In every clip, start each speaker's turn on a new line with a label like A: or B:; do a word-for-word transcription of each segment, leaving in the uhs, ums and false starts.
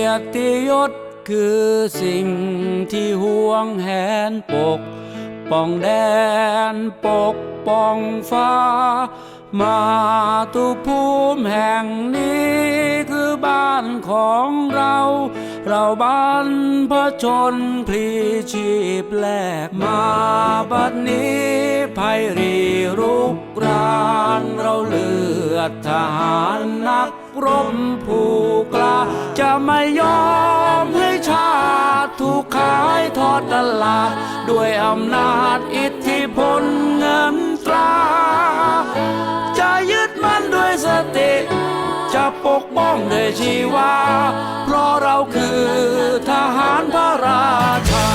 A: ยรติยศคือสิ่งที่ห่วงแหนปกป้องแดนปกป้องฟ้ามาตุภูมิแห่งนี้คือบ้านของเราเราบ้านพระชนพลีชีพแลกมาบัดนี้ภัยรีรุกรานเราเลือดทหารนักรบผู้กล้าจะไม่ยอมให้ชาติถูกขายทอดตลาดด้วยอำนาจอิทธิพลเงินตราจะยึดมั่นด้วยสติจะปกป้องด้วยชีวาเพราะเราคือทหารพระราชา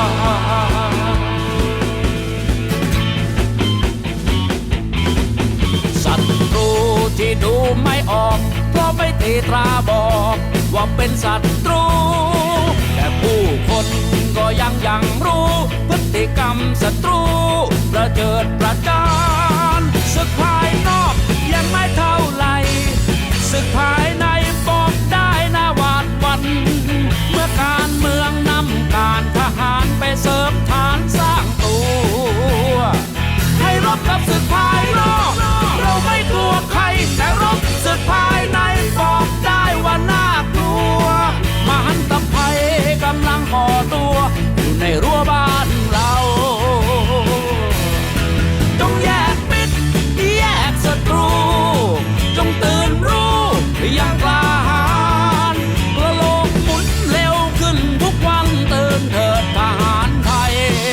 A: ศัตรูที่ดูไม่ออกเพราะไม่ตีตราบอกว่าเป็นศัตรูแต่ผู้คนก็ยังยังรู้พฤติกรรมศัตรูประเจิดประจานศึกภายนอกยังไม่เท่าไหร่ศึกภายในบอกได้นะหวาดหวั่นเมื่อการเมืองนำการทหารไปเสริมฐานสร้างตัวให้รบกับศึกภายนอกเราไม่กลัวใครแต่รบศึกภายในบอกได้ว่าน่ากลัวมหันตภัยกำลังก่อตัวอยู่ในรั้วบ้านเราจงแยกมิตรแยกศัตรูจงตื่นรู้อย่างกล้าหาญกระโลกหมุนเร็วขึ้นทุกวันตื่นเถิดทหารไทย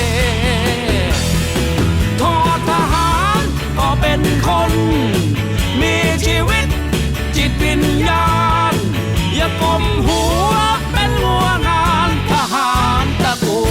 A: ทอดทหารก็เป็นคนมีชีวิตจิตวิญญาณอย่ากลมหัวเป็นหัวงานทหารตะกู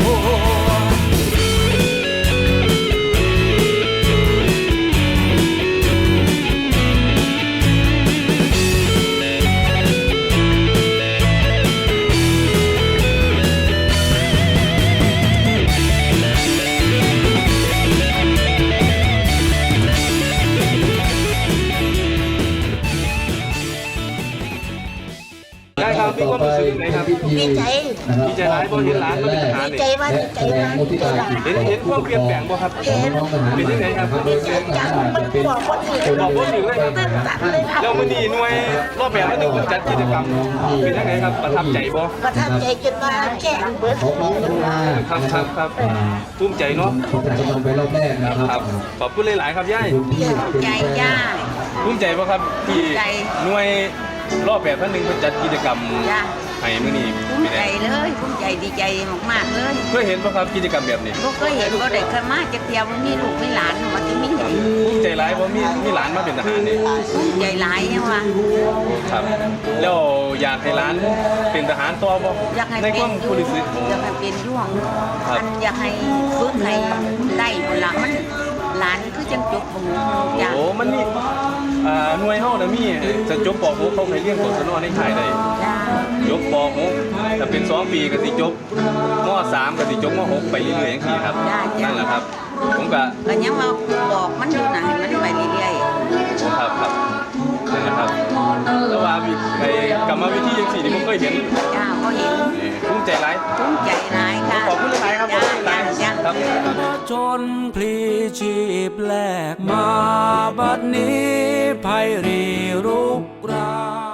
B: ได้ครับมีความรู้สึกยังไงครับ
C: ดีใจ
B: ดีใจร้ายเพราะเห็นหลานมาเป็นทหาร
C: ดี
B: นี่
C: ใจมากดีใจมากดีใจมาก
B: เห็นเห็นความเปลี่ยนแปลงบ่ครับเป็นยังไงครับ
C: ดีใจจังมันบอกคนอื่น
B: บอกว่าถึงเลยครับ
C: ตื่นตันเลยครับ
B: แล้วมื้อนี้หน่วยรอบแบบที่หนึ่งจัดกิจกรรมเป็นยังไงครับประทับใจบ่
C: ประทับใจจนว่าแก่เบิด
B: ครับครับครับภูมิใจเนาะ
D: ไปรอบแรกนะครับ
B: ครับขอบคุณหลายๆครับย่าย
C: ใจย่า
B: ภูมิใจบ่ครับที่
C: ภูมิใจ
B: หน่วยรอบแบบท่านหนึ่งเพิ่นจัดกิจกรรม
C: ย่า
B: ให้มื้อนี้
C: ภูมิใจเลยภูมิใจดีใจมากๆเลย
B: เคยเห็นบ่ครับกิจกรรมแบบนี้
C: ก็เคยเห็นก็ได้เคยมาจะเที่ยวมีลูกมีหลานมาที่มี
B: ภูมิใจหลายเพราะมีมีหลานมาเป็นทหารนี่
C: ภูมิใจหลายยังว่า
B: ครับแล้วอยากให้ร้านเป็นทหารต่อบ่
C: อยากให้
B: ใน
C: เป็
B: ความ
C: น
B: ผู้รู้สึก
C: อยากให้เป็นย่วง
B: ครับ
C: อันอยากให้ฝึกให้ได้เวลามันหลานคือจังจบบ่ฮู้จ้า
B: โอ้มันมีอ่าหน่วยเฮาน่ะมีจะจบป .หก เขาเคยเรียนกศนในค่ายได้
C: จ้า
B: จบป .หก ถ้าเป็นสองปีก็สิจบม .สาม ก็สิจบม .หก ไปเรื่อยๆจังซี่ครับนั่นแหละครับผมก็
C: ก็ยังว่าบอกมันอยู่นะให้มันไปเรื่อย
B: ครับครับนั่นแหละครับแต่ว่าวิไอ้กรรมวิธีจังซี่นี่ผมเคยเห็น
C: ๆจ้าก็เห็น
B: เอ้ภูมิใจหลาย
C: ภูมิใจหลายค่ะ
B: ขอบคุณหลายครับขอบคุณหลาย
C: จ้า
B: ครับ
A: ชนพลีชีพแลกมาบัดนี้ภัยรีรุกราน